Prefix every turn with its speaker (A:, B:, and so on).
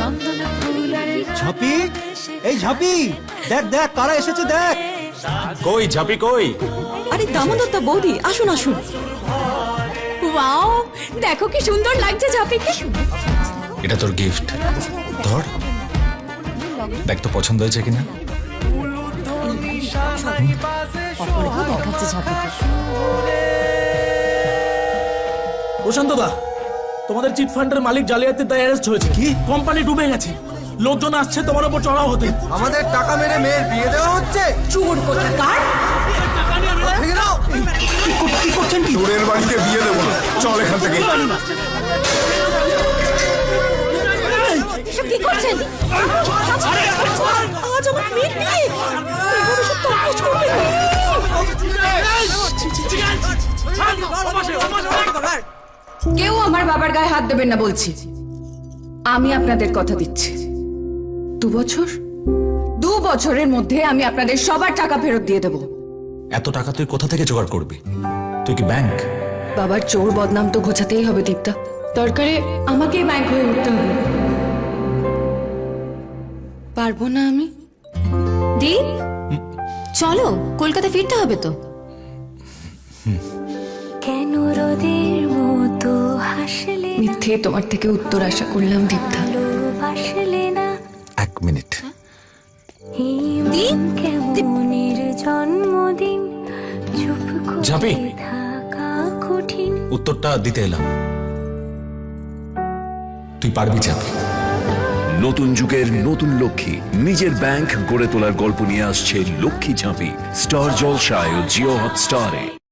A: ঝাঁপি, এই ঝাঁপি, দেখ দেখ কারা এসেছে দেখ।
B: কই ঝাঁপি কই?
C: আরে দামোদরদা বৌদি, আসুন আসুন।
D: ওয়াও, দেখো কি সুন্দর লাগছে ঝাঁপিকে।
B: এটা তোর গিফট, ধর দেখ তো পছন্দ হয়েছে কিনা।
C: অপরাধ দেখাচ্ছে ঝাঁপিকে।
E: প্রশান্ত দা, তোমাদের চিট ফান্ডের মালিক জালিয়াতির দায়ে অ্যারেস্ট হয়েছে। কি? কোম্পানি ডুবে গেছে, লোকজন আসছে তোমার উপর চড়াও হতে।
A: আমাদের টাকা মেরে মেয়ের বিয়ে দেওয়া হচ্ছে।
D: চোর কোথাকার।
A: ভেঙে দাও। কি করছেন কি?
F: চোরের বাড়িতে বিয়ে দেবো না, চল এখান থেকে।
C: এসব কি করছেন? আজ আমার মেয়ের বিয়ে, এভাবে সব তরকাজ করবে।
D: কেউ আমার বাবার গায়ে হাত দেবেন না বলছি। আমি আপনাদের কথা দিচ্ছি, 2 বছরের মধ্যে আমি আপনাদের সবার টাকা ফেরত দিয়ে দেব।
B: এত টাকা তুই কোথা থেকে জোগাড় করবি? তুই কি ব্যাংক?
D: বাবার চোর বদনাম তো ঘোচাতেই হবে দীপ্তা, দরকারে আমাকেই ব্যাংক হয়ে উঠতে হবে। পারবো না আমি।
C: দীপ, চলো কলকাতা ফিরতে হবে তো।
G: কেন রোদের মতো হাসলে
D: মিথ্যে তোমার থেকে উত্তর আশা করলাম দীপ্তা।
G: ভাসলে না
B: 1 মিনিট।
G: দীপ কেমনের জন্মদিন চুপ
B: ঝাঁপি।
G: করে থাকা কঠিন।
B: উত্তরটা দিতে এলাম, তুই পারবি ঝাঁপি।
H: নতুন যুগের নতুন লক্ষ্মী নিজের ব্যাংক গড়ে তোলার গল্প নিয়ে আসছে লক্ষ্মী ঝাঁপি, স্টার জলসায় ও জিও হটস্টারে।